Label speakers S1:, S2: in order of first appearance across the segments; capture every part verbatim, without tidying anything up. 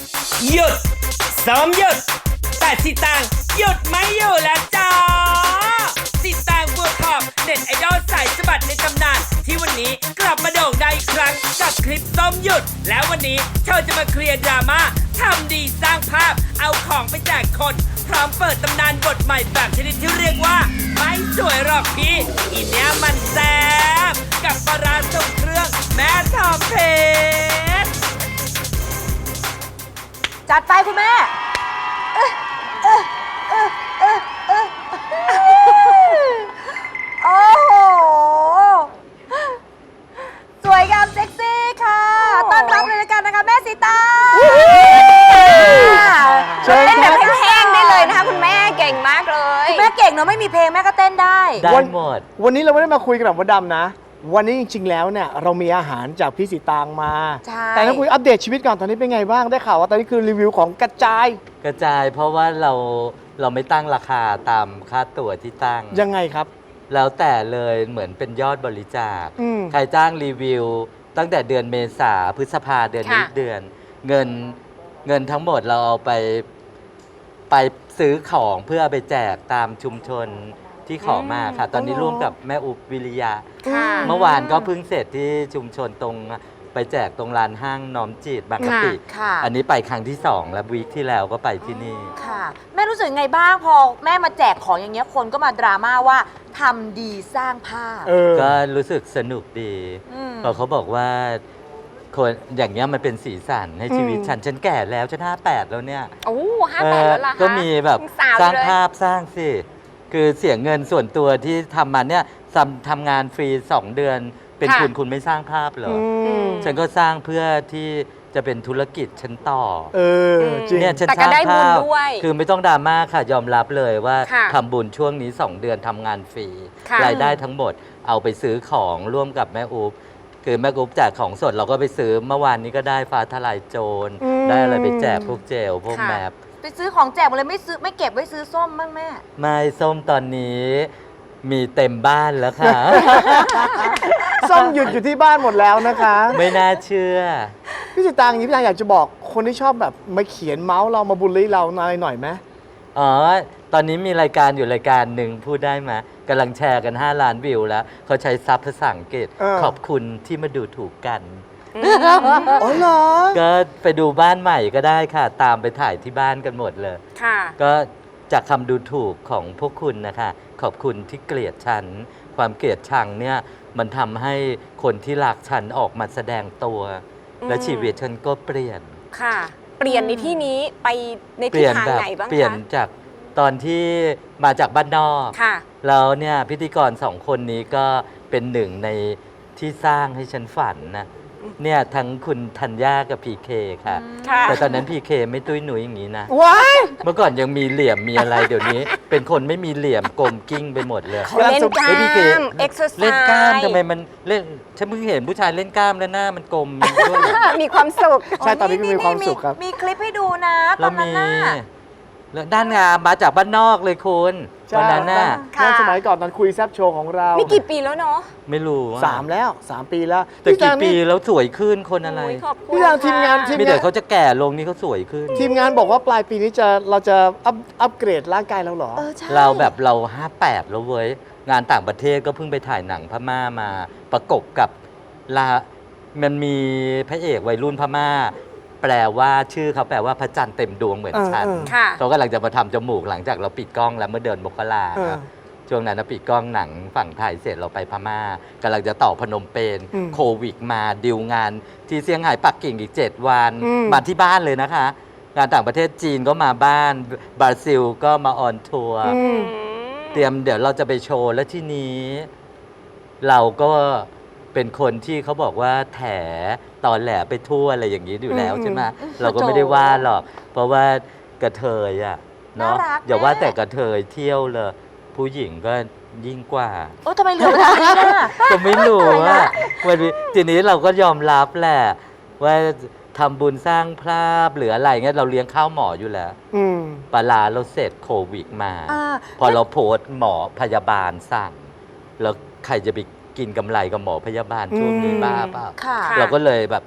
S1: หยุดซ้อมหยุดแต่สิตางหยุดไม่อยู่แล้วจ้าสิตางบัวทองเน็ตไอดอลสายสะบัดในตำนานที่วันนี้กลับมาโด่งดังอีกครั้งกับคลิปซ้อมหยุดแล้ววันนี้เธอจะมาเคลียร์ดราม่าทำดีสร้างภาพเอาของไปแจกคนพร้อมเปิดตำนานบทใหม่แบบชนิดที่เรียกว่าไม่สวยหรอกพี่อีเนี้ยมันแซ่บกับปลาร้าทรงเครื่องแม่ทองเพชร
S2: จัดไปคุณแม่เอ้ยเอ้ยเอ้ยเอ้ยเอ้ยโอ้โห สวยงามเซ็กซี่ค่ะ ต้อนรับเลยละกันนะคะแม่สีตาเต้นแบบแห้งๆได้เลยนะคะคุณแม่เก่งมากเลยคุณแม่เก่งเนอะไม่มีเพลงแม่ก็เต้นได้
S3: ได้หมด
S4: วันนี้เราไม่ได้มาคุยกับมดดำนะ วันนี้จริงๆแล้วเนี่ยเรามีอาหารจากพี่สีตางมา
S2: ใช่
S4: แต่ต้องคุยอัปเดตชีวิตก่อนตอนนี้เป็นไงบ้างได้ข่าวว่าตอนนี้คือรีวิวของกระจาย
S3: กระจายเพราะว่าเราเราไม่ตั้งราคาตามค่าตั๋วที่ตั้ง
S4: ยังไงครับ
S3: แล้วแต่เลยเหมือนเป็นยอดบริจาค
S4: อืม
S3: ใครจ้างรีวิว ตั้งแต่เดือนเมษาพฤษภาเดือนนี้
S2: ค่ะ
S3: เดือน เงินเงินทั้งหมดเราเอาไปไปซื้อของเพื่อเอาไปแจกตามชุมชนที่ขอมาค่ะ ตอนนี้ร่วมกับแม่อุบวิริยะ
S2: ค่ะ
S3: เมื่อวานก็เพิ่งเสร็จที่ชุมชนตรงไปแจกตรงลานห้างน้อมจิตบางกะปิ
S2: ค่ะ
S3: อันนี้ไปครั้งที่สองแล้ววีคที่แล้วก็ไปที่นี่
S2: ค่ะแม่รู้สึกไงบ้างพอแม่มาแจกของอย่างเงี้ยคนก็มาดราม่าว่าทำดีสร้างภาพ
S4: เออ
S3: ก็รู้สึกสนุกดี
S2: อืม
S3: เพราะเขาบอกว่าคนอย่างเงี้ยมันเป็นสีสันให้ชีวิต
S4: อืม
S3: ฉัน ฉันแก่แล้วฉันห้าแปดแล้วเนี่ย
S5: โอ้ห้าแปดแล้วล่ะคะ
S3: ก็มีแบบ
S5: ยังสาว
S3: สร้าง
S5: อยู่เลย
S3: ภาพสร้างสิ คือเสียเงินส่วนตัวที่ทำมาเนี่ยทำทำงานฟรีสองเดือน เป็น
S5: ค่ะ
S3: คุณคุณไม่สร้างภาพเหรอ
S4: อืม
S3: ฉันก็สร้างเพื่อที่จะเป็นธุรกิจฉันต่อ
S4: เออจริง
S3: เนี่ยฉัน
S5: แต่
S3: ส
S5: ก็
S3: ร้าง
S5: ได้บุญ
S3: ภาพ
S5: ด้วย
S3: คือไม่ต้องดราม่าค่ะ ยอมรับเลยว่า
S5: ค่ะ
S3: ทำบุญช่วงนี้ สอง เดือนทำงานฟรี
S5: ค่ะ
S3: รายได้ทั้งหมดเอาไปซื้อของร่วมกับแม่อุ๊บคือแม่อุ๊บแจกของสดเราก็ไปซื้อเมื่อวานนี้ก็ได้ฟ้าทลายโจร
S4: อืม
S3: ได้อะไรไปแจกพวกเจลพวก
S5: ค่ะ
S3: แมป
S2: ไปซื้อของแจกหมดเลยไม่ซื้อไม่เก็บไว้ซื้อส้มบ้างแม่
S3: ไม่ส้มตอนนี้มีเต็มบ้านแล้วค่ะ
S4: ส้มหยุดอยู่ที่บ้านหมดแล้วนะคะ
S3: ไม่น่าเชื่อ
S4: พี่สีตางอย่างนี้พี่ตางอยากจะบอกคนที่ชอบแบบมาเขียนเมาส์เรามาบูลลี่เราหน่อยหน่อยไหม
S3: อ๋อ ตอนนี้มีรายการอยู่รายการหนึ่งพูดได้ไหมกำลังแชร์กัน ห้า ล้านวิวแล้ว เขาใช้ซับภาษาอังกฤษ
S4: เออ
S3: ขอบคุณที่มาดูถูกกัน
S4: อ๋อเหรอ
S3: ก็ไปดูบ้านใหม่ก็ได้ค่ะ ตามไปถ่ายที่บ้านกันหมดเลย
S5: ค่ะ
S3: ก็จากคำดูถูกของพวกคุณนะคะ ขอบคุณที่เกลียดฉัน ความเกลียดชังเนี่ยมันทำให้คนที่รักฉันออกมาแสดงตัว
S5: อืม
S3: และชีวิตฉันก็เปลี่ยน
S5: ค่ะ เปลี่ยนในที่นี้ไปใน
S3: เป
S5: ทิศ
S3: ลี่ยน
S5: ทาง
S3: แบบ
S5: ไหนบ้าง
S3: เปลี่ยน
S5: คะ
S3: จากตอนที่มาจากบ้านนอก
S5: ค่ะ
S3: แล้วเนี่ยพิธีกรสองคนนี้ก็เป็นหนึ่งในที่สร้างให้ฉันฝันนะเนี่ยทั้งคุณธัญญากับพีเคค่ะ
S5: ค่ะ
S3: แต่ตอนนั้นพีเคไม่ตุ้ยหนุยอย่างนี้นะ
S4: ว้าย
S3: เมื่อก่อนยังมีเหลี่ยมมีอะไรเดี๋ยวนี้ เป็นคนไม่มีเหลี่ยมกลมกิ้งไปหมดเลย
S5: เขาเล่นกล้า
S3: เฮ้ยพี่เก๋
S5: มเอ็กซ์ไซส์
S3: เล่นกล้ามทำไมมันเล่นฉันเพิ่งเห็นผู้ชายเล่นกล้ามแล้วหน้ามันกลมด้วย
S5: มีความสุข
S4: ใช่ตอนนี้ก็มีความสุขครับ
S2: มีคลิปให้ดูนะต
S3: แล้
S2: อ
S3: วน
S2: นั้น
S3: มี
S2: น่ะ
S3: แล้วด้านงามมาจากบ้านนอกเลยคุณวันนั้นน่ะ
S2: ค่ะ
S4: นั่นสมัยก่อนตอนคุยแซบโชว์ของเรา
S5: นี่กี่ปีแล้วเนาะ
S3: ไม่รู้อะ
S4: สามแล้วสามปีแล้ว
S3: แต่
S4: พี่
S3: กี่
S4: ตาง
S3: ปี
S4: นี่
S3: แล้วสวยขึ้นคนอะไร
S5: โยขอบคุณ
S4: พี่ตางทีมงาน
S5: ค่ะ
S4: ทีม
S3: มีแต่เขาจะแก่ลงนี่เขาสวยขึ้น
S4: ทีมงานบอกว่าปลายปีนี้จะเราจะอัพอัพเกรดร่างกายเราเหรอ
S2: เออใช่
S3: เราแบบเราห้าแปดแล้วเว้ย งานต่างประเทศก็เพิ่งไปถ่ายหนังพม่ามา ประกบกับลามันมีพระเอกวัยรุ่นพม่า แปลว่าชื่อเขาแปลว่าพระจันทร์เต็มดวงเหมือนฉัน
S4: เออเออ
S5: ค่ะ
S3: เขากำลังจะมาทำจมูกหลังจากเราปิดกล้องแล้วเมื่อเดือนมกรา
S4: เออ
S3: ครับช่วงนั้นนะปิดกล้องหนังฝั่งไทยเสร็จเราไปพม่ากำลังจะต่อพนมเปญ
S4: อืม
S3: โควิดมาดิวงาน ที่เซี่ยงไฮ้ปักกิ่งอีก เจ็ด วัน
S4: อืม
S3: มาที่บ้านเลยนะคะ งานต่างประเทศจีนก็มาบ้านบราซิลก็มาออนทัวร์
S4: อืม
S3: เตรียมเดี๋ยวเราจะไปโชว์แล้วที่นี้ เราก็เป็นคนที่เขาบอกว่าแถตอนแหลไปทั่วอะไรอย่างนี้อยู่แล้ว
S4: อืม
S3: ใช่ไหม
S2: อืม
S3: เราก็ไม่ได้ว่าหรอก เพราะว่ากระเทยอะเนาะ
S2: น่ารัก
S3: อย่าว่า
S2: แม่
S3: แต่กระเทยเที่ยวเลย ผู้หญิงก็ยิ่งกว่า
S2: โอ้ทำไมเหลือเวลานี้ล่ะ
S3: ก็ไม่รู้ว่าวันนี้ทีนี้เราก็ยอมรับแหละ ว่าทำบุญสร้างภาพหรืออะไรเงี้ยเราเลี้ยงข้าวหมออยู่แล้ว
S4: อืม
S3: ปลาลาเราเสร็จโควิดมา
S2: อ่า
S3: พอเราโพสต์หมอพยาบาลสั่ง แล้วใครจะไปกินกำไรกับหมอพยาบาลช่วงนี้
S4: อืม
S3: บ้าเปล่า
S2: ค่ะ
S5: ค่ะ
S3: เราก็เลยแบบ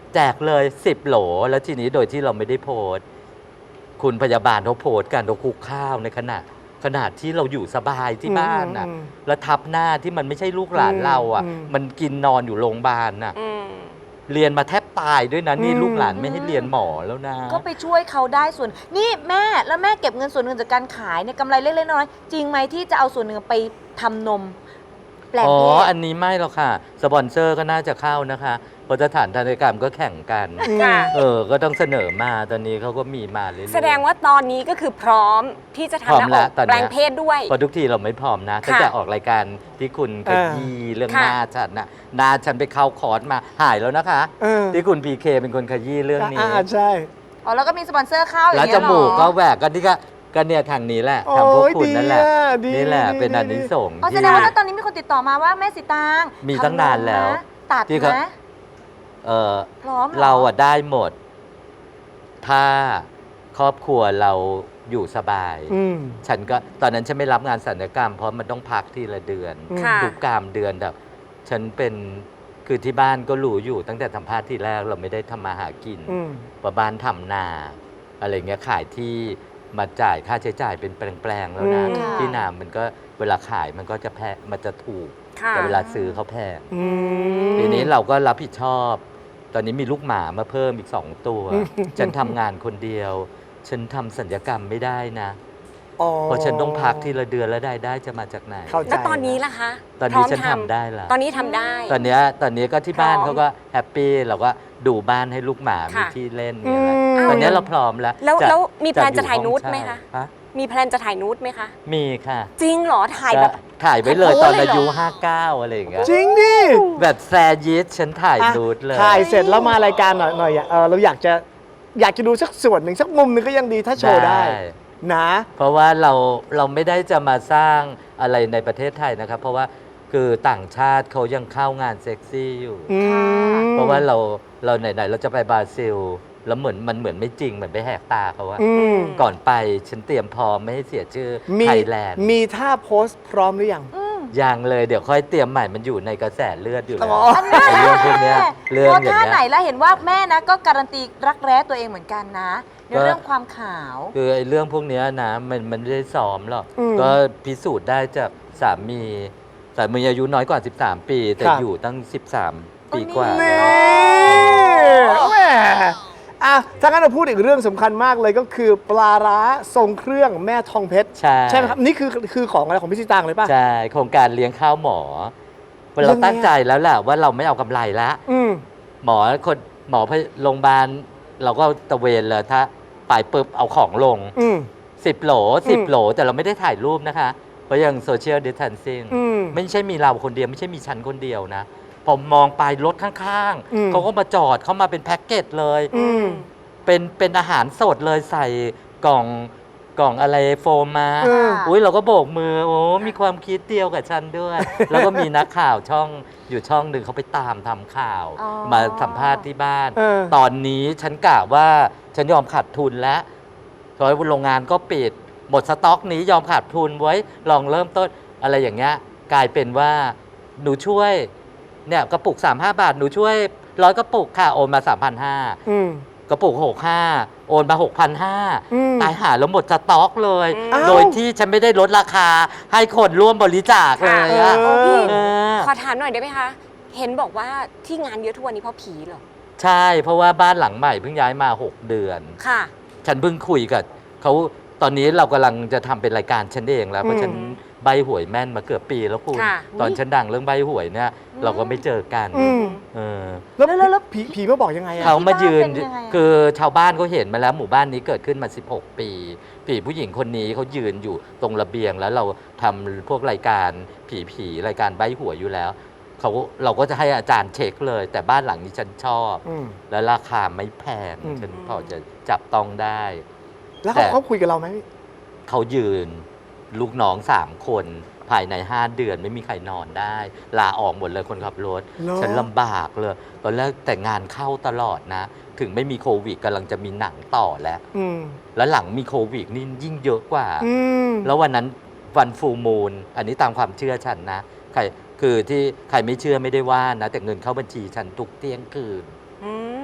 S3: แจกเลยสิบโหลแล้วทีนี้โดยที่เราไม่ได้โพสต์คุณพยาบาลเขาโพสต์กันเราคุกข้าวในขณะขนาดที่เราอยู่สบายที่บ้านน่ะ
S4: อืม
S3: แล้วทับหน้าที่มันไม่ใช่ลูกหลานเราอ่ะ
S4: อืม
S3: มันกินนอนอยู่โรงพยาบาลน่ะ
S5: อืม
S3: เรียนมาแทบตายด้วยนะนี่
S4: อืม
S3: ลูกหลานไม่ให้เรียนหมอแล้วนะ
S2: ก็ไปช่วยเขาได้ส่วนนี่แม่แล้วแม่เก็บเงินส่วนหนึ่งจากการขายเนี่ยกำไรเล็กๆน้อยๆจริงไหมที่จะเอาส่วนหนึ่งไปทำนม แปลง
S3: อ๋อ
S2: เพศ
S3: อันนี้ไม่หรอกค่ะ สปอนเซอร์ก็น่าจะเข้านะคะเพราะสถานทันตกรรมก็แข่งกัน
S5: ค่ะ
S3: เออ ก็ต้องเสนอมาตอนนี้เขาก็มีมาเรื่อยๆ
S5: แสดงว่าตอนนี้ก็คือพร้อมที่จะ
S3: พร้อ
S5: ทำ
S3: ม
S5: หน้า
S3: แล้
S5: อ
S3: ว
S5: ก
S3: ตอนเนี้ย
S5: แปลงเพศด้วย
S3: เพราะทุกทีเราไม่พร้อมนะ
S5: ค่ะ
S3: ตั้งแต่ออกรายการที่คุณข
S4: อ่า
S3: ยี้เรื่อง
S5: ค่ะ
S3: หน้าฉันนะหน้าฉันไปเข้าคอร์สมาหายแล้วนะคะ
S4: เออ
S3: ที่คุณพีเคเป็นคนขยี้เรื่องนี้
S4: อ่าใช่
S2: อ๋อแล้วก็มีสปอนเซอร์เข้าอย่า
S3: แล้ว
S2: ง
S3: จ
S2: เงี้ยเหรอ
S3: มูกก็แหวกกันที่ก็ก็เนี่ยทางนี้แหละ
S4: โอ้
S3: ทำพวก
S4: ย
S3: คุณนั่นแหละ
S4: ดีอะดี
S3: นี่แหละ
S4: ดี
S3: เป็น
S4: ดี
S3: อันนิสงส์
S2: อ๋อแส
S3: ที่
S2: ดงว่าถ้าตอนนี้มีคนติดต่อมาว่าแม่สีตาง
S3: มีตั้งนานแล้ว
S2: ทำมะตัด
S3: ที่เขา
S2: นะ
S3: เออ
S2: พร้อมห
S3: เราอะได้หมด ถ้าครอบครัวเราอยู่สบาย
S4: อืม
S3: ฉันก็ตอนนั้นฉันไม่รับงานศัลยกรรม เพราะมันต้องพักทีละเดือน
S4: อืม
S5: ค่ะ
S3: ทุกกามเดือนแบบฉันเป็นคือที่บ้านก็รู้อยู่ตั้งแต่สัมภาษณ์ที่แรกเราไม่ได้ทำมาหากิน
S4: อืม
S3: ว่าบ้านทำนา อะไรเงี้ยขายที่มาจ่ายค่าใช้จ่ายเป็นแปลงๆแล้วนะ
S4: อืม
S3: ที่นามันก็เวลาขายมันก็จะแพงมันจะถูก
S5: ค่ะ
S3: แต่เวลาซื้อเขาแพง
S4: อืม
S3: ทีนี้เราก็รับผิดชอบ ตอนนี้มีลูกหมามาเพิ่มอีกสองตัว
S4: อืม
S3: ฉันทำงานคนเดียว ฉันทำสัญญกรรมไม่ได้นะ
S4: อ๋อ
S3: เพราะฉันต้องพักทีละเดือนแล้วได้ได้จะมาจากไหน
S4: เข้าใจ
S5: แล้วตอนนี้ล่ะคะ
S3: ตอน
S5: พร้
S3: นี้
S5: อม
S3: ฉันทำได้ละ
S5: ตอนนี้ทำได้
S3: ตอนเนี้ยตอนนี้ก็ที่บ้าน
S5: พร้อม
S3: เขาก็แฮปปี้เราก็ดูบ้านให้ลูกหมา มี
S5: ค่ะ
S3: ที่เล่น
S4: อื
S3: มี
S4: ม
S3: อะไรตอนเนี้ยเราพร้อมแล้ว
S5: แล้ว
S3: จะ
S5: แล้วมีแพลน
S3: อยู่
S5: จะถ่าย
S3: ห้อง
S5: นูด
S3: เช่
S5: ไหมคะ
S3: ฮะ
S5: มีแพลนจะถ่ายนูดไหมคะ
S3: มีค่ะ
S5: จริงเหรอ ถ่ายแบบ
S3: ก็ถ่ายไว้เลย
S5: โพส
S3: ตอน
S5: เลยเหรอ
S3: อายุห้าเก้าอะไรอย่างเงี้ย
S4: จริงดิ
S3: แบบแซยิสฉันถ่าย
S4: อ่ะ
S3: นูดเลย
S4: ถ่ายเสร็จแล้วมารายการหน่อยหน่อยเออเราอยากจะอยากจะดูสักส่วนหนึ่งสักมุมหนึ่งก็ยังดีถ้าโชว์ได้ นะ
S3: เพราะว่าเราเราไม่ได้จะมาสร้างอะไรในประเทศไทยนะครับ เพราะว่าคือต่างชาติเขายังเข้างานเซ็กซี่อยู่
S4: อืม
S3: เพราะว่าเราเราไหนๆเราจะไปบราซิล แล้วเหมือนมันเหมือนไม่จริงเหมือนไปแหกตาเขาอะ
S4: อืม
S3: ก่อนไปฉันเตรียมพร้อมไม่ให้เสียชื่อ
S4: มี
S3: ไทยแลนด์
S4: มีท่าโพสต์พร้อมหรือยัง
S3: ยังเลยเดี๋ยวค่อยเตรียมใหม่มันอยู่ในกระแสเลือดอยู่แล้ว
S4: อ๋อ
S2: อันนี้
S3: ไอ้เรื่องพวกเนี้ยเรื่อง
S2: โพส
S3: อย่าง
S2: ท่า
S3: เงี้
S2: ไหน
S3: ย
S2: แล้วเห็นว่าแม่นะก็การันตีรักแร้ตัวเองเหมือนกันนะในเรื่องความขาว
S3: คือไอ้เรื่องพวกเนี้ยนะมันมันไม่ได้ซ้อมหรอก
S4: อืม
S3: ก็พิสูจน์ได้จากสามีสามีอายุน้อยกว่า สิบสาม ปี แต่
S4: ครับ
S3: อยู่ตั้ง สิบสาม ปีกว่า
S4: นี่
S3: แล้ว
S4: แหมอ่ะถ้างั้นเราพูดอีกเรื่องสำคัญมากเลยก็คือปลาร้าทรงเครื่องแม่ทองเพชร
S3: ใช่
S4: ใช่ไหมครับ นี่คือคือของอะไรของพี่สิตางเลยป่ะ
S3: ใช่ โครงการเลี้ยงข้าวหมอเราตั้งใจแล้วแหละว่าเราไม่เอากำไรละ
S4: อืม
S3: หมอคนหมอโรงพยาบาลเราก็ตะเวนเลยถ้าไปปุ๊บเอาของลง
S4: อืม
S3: สิบโหลสิบ
S4: อืม
S3: โหล แต่เราไม่ได้ถ่ายรูปนะคะ เพราะยังโซเชียลดิส a ทนซิ่ง
S4: อืม
S3: ไม่ใช่มีเราคนเดียว ไม่ใช่มีฉันคนเดียวนะ ผมมองไปรถข้าง
S4: อืม
S3: ๆ เขาก็มาจอดเข้ามาเป็นแพ็กเกจเลย
S4: อืม
S3: เป็นเป็นอาหารสดเลยใส่กล่องกล่องอะไรโฟมมา
S4: เออ
S3: อุ้ยเราก็โบกมือ โอ้มีความคิดเดียวกับฉันด้วย แล้วก็มีนักข่าวช่องอยู่ช่องหนึ่งเขาไปตามทำข่าว
S2: อ๋อ
S3: มาสัมภาษณ์ที่บ้าน
S4: เออ
S3: ตอนนี้ฉันกะว่าฉันยอมขาดทุนแล้วเพราะว่าโรงงานก็ปิด หมดสต็อกนี้ยอมขาดทุนไว้ ลองเริ่มต้นอะไรอย่างเงี้ย กลายเป็นว่าหนูช่วยเนี่ยกระปุก สามสิบห้า บาท หนูช่วยร้อยกระปุกค่ะโอนมา สามพันห้าร้อย
S4: อืม
S3: กระปุก หกพันห้าร้อย โอนมา หกพันห้าร้อย
S4: อืม
S3: ตายหาแล้วหมดสต็อกเลย
S4: อ้าว
S3: โดยที่ฉันไม่ได้ลดราคาให้คนร่วมบริจาคเลยอะ
S4: เออ
S5: พี่
S3: เออ
S5: ขอถามหน่อยได้ไหมคะ เห็นบอกว่าที่งานเยอะทุกวันนี้เพราะผีเหรอ
S3: ใช่ เพราะว่าบ้านหลังใหม่เพิ่งย้ายมา หก เดือน
S5: ค่ะ
S3: ฉันเพิ่งคุยกับเขาตอนนี้เรากำลังจะทำเป็นรายการฉันเองแล้ว เพราะฉันใบหวยแม่นมาเกือบปีแล้วคุณ
S5: ค่ะ
S3: ตอนฉันดังเรื่องใบหวยเนี่ยเราก็ไม่เจอกัน
S4: อืม
S3: เออ
S4: แล้ว
S2: แล้วแล้วแล้ว
S4: ผีผีมาบอกยังไงอะ
S3: เขามายืน
S2: ที่บ้านเป็นยังไงอะ
S3: คือชาวบ้านเขาเห็นมาแล้วหมู่บ้านนี้เกิดขึ้นมา สิบหก ปีผีผู้หญิงคนนี้เขายืนอยู่ตรงระเบียงแล้วเราทำพวกรายการผีผีรายการใบหวยอยู่แล้วเขาเราก็จะให้อาจารย์เช็คเลย แต่บ้านหลังนี้ฉันชอบ
S4: อืม
S3: และราคาไม่แพง
S4: อืม
S3: ฉันพอจะจับต้องได้
S4: แล้ว
S3: แต่
S4: เขาเขาคุยกับเราไหม
S3: เขายืนลูกน้องสามคนภายในห้าเดือนไม่มีใครนอนได้ ลาออกหมดเลยคนขับรถ
S4: เหรอ
S3: ฉันลำบากเลยตอนแรกแต่งานเข้าตลอดนะ ถึงไม่มีโควิดกำลังจะมีหนังต่อแล้ว
S4: อืม
S3: แล้วหลังมีโควิดนี่ยิ่งเยอะกว่า
S4: อืม
S3: แล้ววันนั้นวันฟูมูลอันนี้ตามความเชื่อฉันนะใครคือที่ใครไม่เชื่อไม่ได้ว่านะ แต่เงินเข้าบัญชีฉันทุกเที่ยงคืน
S5: อืม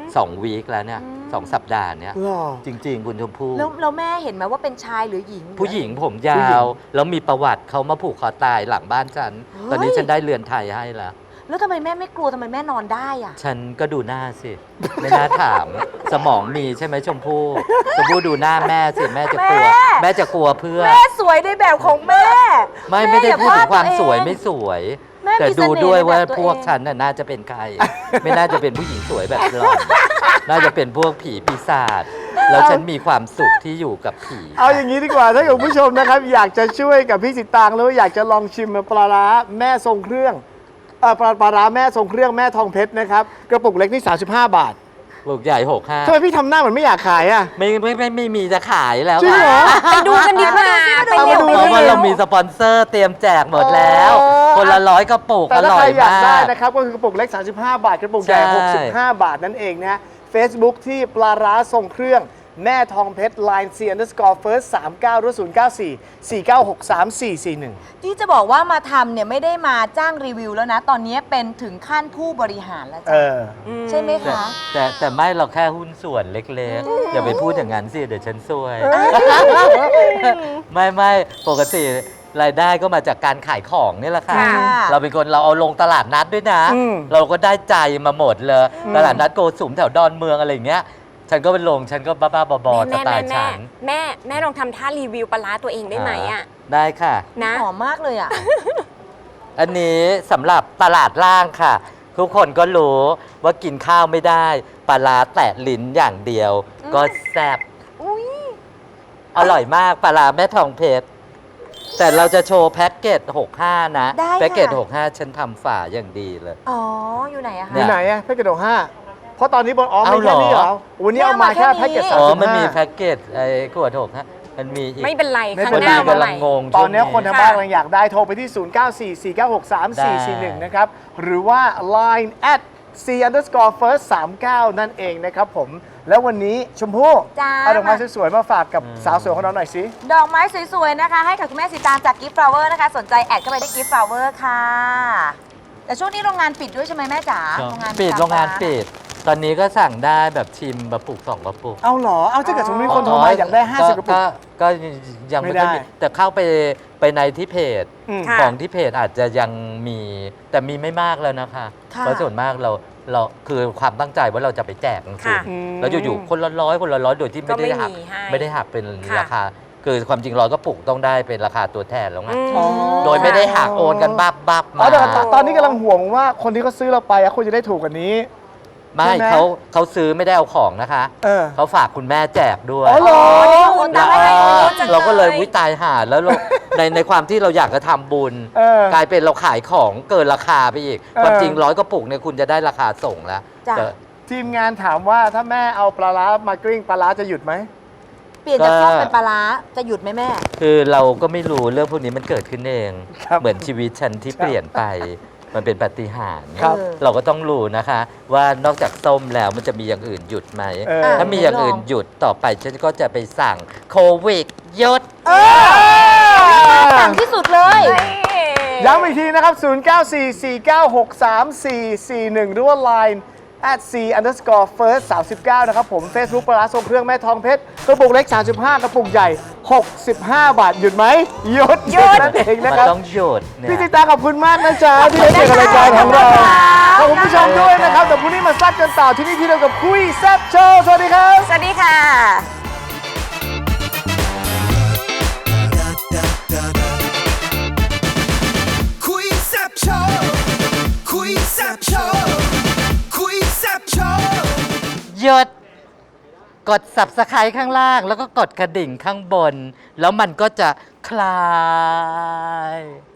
S3: สองวีคแล้วเนี่ย
S2: อืม
S3: สองสัปดาห์เนี่ย
S4: หรอ
S3: จริง ๆ คุณชมพู่
S2: แล้วแล้วแม่เห็นไหมว่าเป็นชายหรือหญิง
S3: ผู้หญิงผมย
S4: ผู้หญิ
S3: าว
S4: ง
S3: แล้วมีประวัติเขามาผูกคอตายหลังบ้านฉัน
S2: เฮ้ย
S3: ตอนนี้ฉันได้เรือนไทยให้แล้ว
S2: แล้วทำไมแม่ไม่กลัวทำไมแม่นอนได้อ่ะ
S3: ฉันก็ดูหน้าสิ ไม่น่าถาม สมองมีใช่ไหมชมพู่ชมพู่ดูหน้าแม่สิแม่จะกลัว
S2: แม่
S3: แม่จะกลัวเพื่อ
S2: แม่สวยในแบบของแม่
S3: ไม่
S2: แม่
S3: ไม่ได้
S2: อย่า
S3: พูดถึงความ
S2: ว่าตัวเอง
S3: สวยไม่สวย
S2: แม่
S3: แต่
S2: มีเส
S3: ดู
S2: น่ห์
S3: ด้วย
S2: ในแบบ
S3: ว่า
S2: ตัว
S3: พวก
S2: เอง
S3: ฉันน่ะน่าจะเป็นใคร ไม่น่าจะเป็นผู้หญิงสวยแบบหล่อน น่าจะเป็นพวกผีปีศาจแล้วฉันมีความสุขที่อยู่กับผี
S4: เอาอย่างนี้ดีกว่าถ้าเกิดคุณผู้ชมนะครับ อยากจะช่วยกับพี่สิตางหรือว่าอยากจะลองชิมปลาร้าแม่ทรงเครื่องเอ่อปลาปลาร้าแม่ทรงเครื่องแม่ทองเพชรนะครับกระปุกเล็กนี่สามสิบห้าบาท
S3: ลูกใหญ่หกห้า
S4: ทำไมพี่ทำหน้าเหมือนไม่อยากขายอ่ะ
S3: ไม่ไม่ไม่ไม่มีจะขายแล้ว
S4: จริงเหรอ
S5: ไปดูกันดีกว่า
S2: ไป
S5: ไป
S2: ดู
S5: เร็ว
S2: สิ
S5: ไป
S3: เพราะว่า
S5: เร็
S3: เรา
S5: ว
S3: มีสปอนเซอร์เตรียมแจกหมดแล้ว
S4: เออ
S3: คนละร้อยกระปุก
S4: แต่
S3: อ
S4: ถ้า
S3: ร่อ
S4: ใคร
S3: ย
S4: อยาก
S3: มา
S4: ได้
S3: ก
S4: นะครับก็คือกระปุกเล็ก สามสิบห้า บาท กระปุกใหญ่
S3: ใช่
S4: หกสิบห้า บาทนั่นเองนะ Facebook ที่ปลาร้าทรงเครื่องแม่ทองเพชร Line C underscore first สามเก้าหรือศูนย์เก้าสี่ สี่เก้าหกสาม สี่สี่หนึ่ง
S2: ที่จะบอกว่ามาทำเนี่ยไม่ได้มาจ้างรีวิวแล้วนะ ตอนนี้เป็นถึงขั้นผู้บริหารแล้ว
S4: เอ
S2: จ้ะ
S4: อ
S2: ใช่ไหม
S3: แต่
S2: คะ
S3: แต่แต่ไม่เราแค่หุ้นส่วนเล็กๆ อย่าไปพูดอย่างนั้นสิเดี๋ยวฉันซวย ไม่ไม่ปกติรายได้ก็มาจากการขายของนี่แหละค่ะ
S5: ค่ะ
S3: เราเป็นคนเราเอาลงตลาดนัดด้วยนะ
S4: อืม
S3: เราก็ได้ใจมาหมดเลย
S4: อืม
S3: ตลาดนัดโกสุมแถวดอนเมืองอะไรอย่างเงี้ย ฉันก็ไปลงฉันก็บ้าๆบอๆส
S5: แม่
S3: ไต
S5: แม่
S3: ล์
S5: แม่
S3: ฉัน
S5: แม่แม่ลองทำท่ารีวิวปลาร้าตัวเองได้ไหมอ่ะ
S3: ได้ค่ะ
S5: นะ
S2: หอมมากเลยอ่ะ
S3: อันนี้สำหรับตลาดล่างค่ะ ทุกคนก็รู้ว่ากินข้าวไม่ได้ปลาร้าแตะลิ้นอย่างเดียว ก็แซ่บ
S2: อุ้ย
S3: อร่อยมากปลาร้าแม่ทองเพชร แต่เราจะโชว์แพ็กเกจหกสิบห้า นะ
S2: ได้ค่ะ
S3: แพ็กเกจหกสิบห้า ฉันทำฝาอย่างดีเลย
S2: อ๋อ อยู่ไหนอะ
S4: อ
S2: คะ
S3: เนี่
S4: ยู่
S3: ย
S4: ไหนอะแพ็กเกจห้าเพราะตอนนี้บนอ๋อ
S3: เอา
S4: ไม่แค่นี้
S3: เห
S4: เห
S3: ร
S4: ร
S3: อ
S4: อวันนี้เอามาแค่แพ็กเกจ
S2: แค่
S4: สาม
S3: อ๋อ
S4: สิบ
S3: มันมี
S4: ห้า
S3: แพ็กเกจไอ้ขวดหกฮะมันมีอีก
S5: ไม่เป็นไร
S4: ไม่
S5: ข้าง
S4: เป็น
S5: ห
S4: ไร
S5: น้า
S3: พอดี
S5: มาให
S3: กำลั
S5: ม่
S3: งงง
S4: ตอนนี้
S3: ช่วง
S4: คนทางบ้านกำลังอยากได้โทรไปที่ ศูนย์ เก้า สี่ สี่ เก้าหก สาม สี่ สี่ หนึ่ง นะครับ หรือว่า Line at c underscore first สามเก้า นั่นเองนะครับผม แล้ววันนี้ชมพู่
S2: จ้า
S4: เอาดอกไม้สวยๆมาฝากกับสาวสวยของเราหน่อยสิ
S2: ดอกไม้สวยๆนะคะ ให้กับคุณแม่สีตางจากกิฟต์ฟลาวเวอร์นะคะ สนใจแอดเข้าไปที่กิฟต์ฟลาวเวอร์ค่ะ แต่ช่วงนี้โรงงานปิดด้วยใช่ไหมแม่จ๋า
S3: ครับ
S2: โรงงาน
S3: ปิดโรงงานปิด ตอนนี้ก็สั่งได้แบบชิมกระปุกสองกระปุก
S4: เอาเหรอ เอาถ้าเกิดสมมติมีคนโทรมาอยากได้ ห้าสิบ กระปุก
S3: ก็ยังไม่ได้
S4: ไม่ได้
S3: มีแต่เข้าไปไปในที่เพจ
S4: อืม
S5: ค่ะ
S3: ของที่เพจอาจจะยังมีแต่มีไม่มากแล้วนะคะ
S2: ค่ะ
S3: เพราะส่วนมากเราเราคือความตั้งใจว่าเราจะไปแจกหนังสือ
S5: ค่ะ
S3: แล้วอยู่ๆคนละร้อยคนละร้อยโดยที่ไม่
S5: ก็ไม่
S3: ได้หัก
S5: มีให้
S3: ไม่ได้หักเป็น
S5: ค่ะ
S3: ราคา คือความจริงร้อยก็ปลูกต้องได้เป็นราคาตัวแทนแล้วไง
S5: อืม
S4: อ๋อ
S3: โดยไม่ได้หักโอนกันบับบับ
S4: อ๋อ
S3: มา
S4: แต่ตอนตอนนี้กำลังห่วงว่าคนที่เขาซื้อเราไปอะควรจะได้ถูกกว่านี้
S3: ไม่
S4: ใช่ไหม
S3: เขาเขาซื้อไม่ได้เอาของนะคะ
S4: เออ
S3: เขาฝากคุณแม่แจกด้วย
S4: อ๋อเหรอ
S5: โอน
S3: แล้
S5: ตาว มให้โอนจัง
S3: เราก็เลยวิตายหาแล้วเรา ในในความที่เราอยากจะทำบุญ
S4: เออ
S3: กลายเป็นเราขายของเกินราคาไปอีก
S4: เออ
S3: ความจริงร้อยกระปุกเนี่ยคุณจะได้ราคาส่งแล้ว
S2: จ้ะ
S3: แต่
S4: ทีมงานถามว่าถ้าแม่เอาปลาร้ามากริ้งปลาร้าจะหยุดไหม
S2: เปลี่ยนจาก
S3: ก็
S2: ส้มเป็นปลาร้าจะหยุดไหมแม่
S3: คือเราก็ไม่รู้เรื่องพวกนี้มันเกิดขึ้นเอง
S4: ครับ
S3: เหมือนชีวิตฉันที่เปลี่ยนไป มันเป็นปาฏิหาริย์
S4: ครับ
S3: เราก็ต้องรู้นะคะ ว่านอกจากส้มแล้วมันจะมีอย่างอื่นหยุดไหม
S4: เออ
S3: ถ้ามีอย่างอื่นหยุดต่อไปฉันก็จะไปสั่งโควิดหยุด
S4: เออ
S2: สั่งที่สุดเลย
S4: ย้ำอีกทีนะครับ ศูนย์ เก้า สี่ สี่ เก้า หก สาม สี่ สี่ หนึ่ง หรือว่า Line at c underscore first สามสิบเก้า นะครับผม Facebook ปลาร้าทรงเครื่องแม่ทองเพชรกระปุกเล็ก สามสิบห้า กระปุกใหญ่ หกสิบห้า บาท หยุดไหมหยุดหยุดนั่นเอง
S3: มั
S4: นะ
S3: น
S4: ครับ
S3: ต้องหยุดเนี่ย
S4: พี่ติตาขอบคุณมากนะจ๊ะ ที่ได้เจอกับรายการของเรา ขอบคุณผู้ชมด้วยนะครับเดี๋ยวพรุ่งนี้มาซัดกันต่อที่นี่ที่เดียวกับคุยแซ่บโชว์สวัสดีครับ
S5: สวัสดีค่ะ
S6: คุยแซ่บโชว์คุยแซ่บโชว์คุยแซ่บโชว์
S3: หยุดกด Subscribe ข้างล่าง แล้วก็กดกระดิ่งข้างบน แล้วมันก็จะคลาย